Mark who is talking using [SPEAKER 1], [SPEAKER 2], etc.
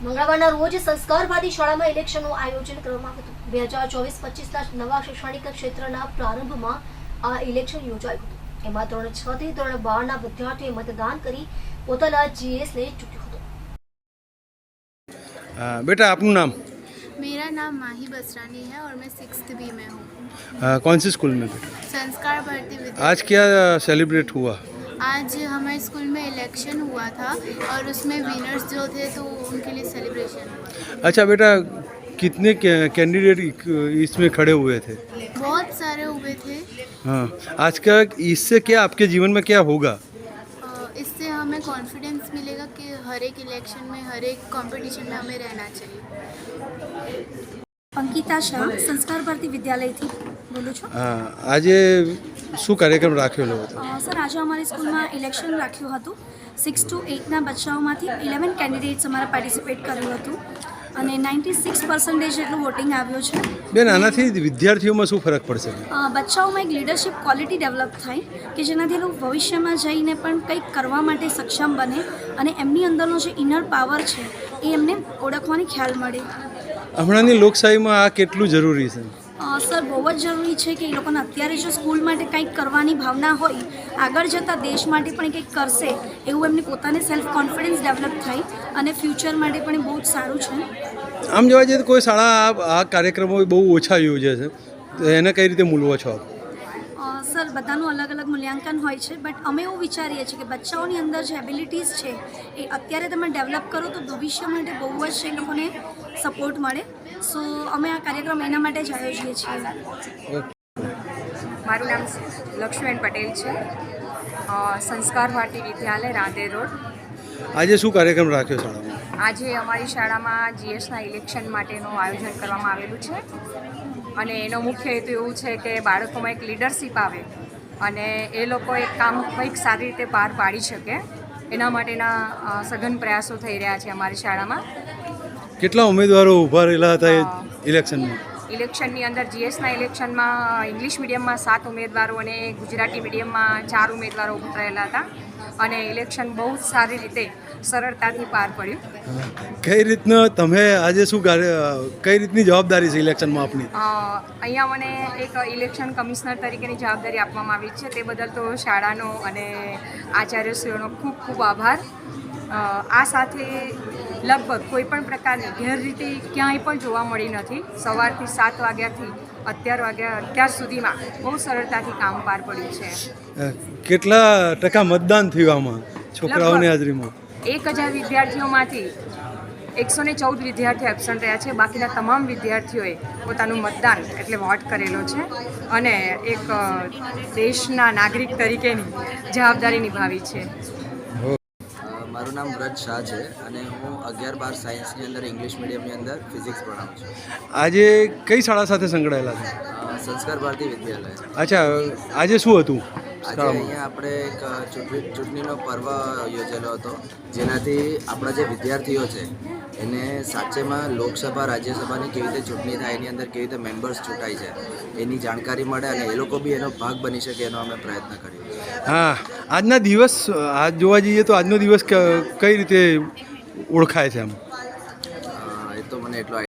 [SPEAKER 1] મંગળવારના રોજ સંસ્કારવાદી શાળામાં ઇલેક્શનનું આયોજન કરવામાં આવ્યું હતું. 2024-25ના નવા શૈક્ષણિક ક્ષેત્રના પ્રારંભમાં આ ઇલેક્શન યોજાયું હતું. એમાં ધોરણ 6 થી ધોરણ 12ના વિદ્યાર્થીઓએ મતદાન કરી પોતાના જીએસને ચૂંટ્યો હતો.
[SPEAKER 2] बेटा आपનું નામ?
[SPEAKER 3] मेरा नाम माही बसरानी है और मैं 6th बी में हूँ.
[SPEAKER 2] कौन सी स्कूल में बेटा?
[SPEAKER 3] संस्कार भारती विद्यालय.
[SPEAKER 2] आज क्या सेलिब्रेट हुआ?
[SPEAKER 3] आज हमारे स्कूल में इलेक्शन हुआ था और उसमें विनर्स जो थे तो उनके लिए सेलिब्रेशन हुआ.
[SPEAKER 2] अच्छा बेटा, कितने कैंडिडेट इसमें खड़े हुए थे?
[SPEAKER 3] बहुत सारे हुए थे.
[SPEAKER 2] हाँ, आज का इससे क्या आपके जीवन में क्या होगा?
[SPEAKER 3] इससे हमें कॉन्फिडेंस मिलेगा कि हर एक इलेक्शन में हर एक कंपटीशन में हमें रहना चाहिए.
[SPEAKER 4] અંકિતા શાહ, સંસ્કાર ભારતી વિદ્યાલયથી બોલું છું.
[SPEAKER 2] હા, આજે શું કાર્યક્રમ રાખેલો હતો?
[SPEAKER 4] સર, આજે અમારી સ્કૂલમાં ઇલેક્શન રાખ્યું હતું. 6 to 8ના બચ્ચાઓમાંથી 11 કેન્ડિડેટ્સ અમારે પાર્ટિસિપેટ કર્યું હતું અને 96% જેટલું વોટિંગ આવ્યું છે.
[SPEAKER 2] બેન, આનાથી વિદ્યાર્થીઓમાં શું ફરક પડશે?
[SPEAKER 4] બચ્ચાઓમાં એક લીડરશિપ ક્વોલિટી ડેવલપ થાય કે જેનાથી એ લોકો ભવિષ્યમાં જઈને પણ કંઈક કરવા માટે સક્ષમ બને અને એમની અંદરનો જે ઇનર પાવર છે એ એમને ઓળખવાની ખ્યાલ મળે.
[SPEAKER 2] હમણાંની લોકશાહીમાં આ કેટલું જરૂરી છે?
[SPEAKER 4] સર, બહુ જ જરૂરી છે કે એ લોકોને અત્યારે જો સ્કૂલ માટે કંઈક કરવાની ભાવના હોય, આગળ જતાં દેશ માટે પણ કંઈક કરશે એવું એમને પોતાને સેલ્ફ કોન્ફિડન્સ ડેવલપ થાય અને ફ્યુચર માટે પણ એ બહુ જ સારું છે.
[SPEAKER 2] આમ જોવા જઈએ તો કોઈ શાળા આ કાર્યક્રમો બહુ ઓછા યોજે છે, તો એને કઈ રીતે મૂલવો છો આપ?
[SPEAKER 4] સર, બધાનું અલગ અલગ મૂલ્યાંકન હોય છે, બટ અમે એવું વિચારીએ છીએ કે બચ્ચાઓની અંદર જે એબિલિટીઝ છે એ અત્યારે તમે ડેવલપ કરો તો ભવિષ્ય માટે બહુ જ એ લોકોને સપોર્ટ મળે. સો અમે આ કાર્યક્રમ એના માટે જ આયોજીએ છીએ.
[SPEAKER 5] મારું નામ લક્ષ્મીબેન પટેલ છે, સંસ્કાર ભારતી વિદ્યાલય રાંદેર રોડ.
[SPEAKER 2] આજે શું કાર્યક્રમ રાખ્યો શાળામાં?
[SPEAKER 5] આજે અમારી શાળામાં જીએસના ઇલેક્શન માટેનું આયોજન કરવામાં આવેલું છે અને એનો મુખ્ય હેતુ એવું છે કે બાળકોમાં એક લીડરશિપ આવે અને એ લોકો એક કામ કંઈક સારી રીતે પાર પાડી શકે, એના માટેના સઘન પ્રયાસો થઈ રહ્યા છે અમારી શાળામાં.
[SPEAKER 2] કેટલા ઉમેદવારો ઊભા રહેલા હતા ઇલેક્શનમાં?
[SPEAKER 5] ઇલેક્શનની અંદર જીએસના ઇલેક્શનમાં ઇંગ્લિશ મીડિયમમાં 7 ઉમેદવારો અને ગુજરાતી મીડિયમમાં 4 ઉમેદવારો ઊભા રહેલા હતા અને ઇલેક્શન બહુ જ સારી રીતે સરળતાથી પાર પડ્યું.
[SPEAKER 2] કઈ રીતના તમે આજે શું કઈ રીતની જવાબદારી છે ઇલેક્શનમાં આપની?
[SPEAKER 5] અહીંયા મને એક ઇલેક્શન કમિશનર તરીકેની જવાબદારી આપવામાં આવી છે, તે બદલ તો શાળાનો અને આચાર્યશ્રીઓનો ખૂબ ખૂબ આભાર. આ સાથે લગભગ કોઈ પણ પ્રકારની ગેરરીતિ ક્યાંય પણ જોવા મળી નથી. સવારથી 7 વાગ્યાથી અત્યાર સુધીમાં બહુ સરળતાથી કામ પાર પડ્યું છે.
[SPEAKER 2] કેટલા ટકા મતદાન થયું આમાં છોકરાઓની હાજરીમાં? 1000
[SPEAKER 5] વિદ્યાર્થીઓમાંથી 114 વિદ્યાર્થીઓ એબસન્ટ રહ્યા છે. બાકીના તમામ વિદ્યાર્થીઓએ પોતાનું મતદાન એટલે વોટ કરેલો છે અને એક દેશના નાગરિક તરીકેની જવાબદારી નિભાવી છે.
[SPEAKER 6] મારું નામ વ્રત શાહ છે અને હું 11-12 સાયન્સની અંદર ઇંગ્લિશ મીડિયમની અંદર ફિઝિક્સ ભણાવું છું.
[SPEAKER 2] આજે કઈ શાળા સાથે સંકળાયેલા છે?
[SPEAKER 6] સંસ્કાર ભારતી વિદ્યાલય.
[SPEAKER 2] અચ્છા, આજે શું હતું?
[SPEAKER 6] આજે અહીંયા આપણે એક ચૂંટણીનો પર્વ યોજેલો હતો, જેનાથી આપણા જે વિદ્યાર્થીઓ છે એને સાચેમાં લોકસભા રાજ્યસભાની કેવી રીતે ચૂંટણી થાય, એની અંદર કેવી રીતે મેમ્બર્સ ચૂંટાય છે એની જાણકારી મળે અને એ લોકો બી એનો ભાગ બની શકે એનો અમે પ્રયત્ન કર્યો.
[SPEAKER 2] હા, આજના દિવસ આજ જોવા જઈએ તો આજનો દિવસ કઈ રીતે ઓળખાય છે? આમ
[SPEAKER 6] એ તો મને એટલો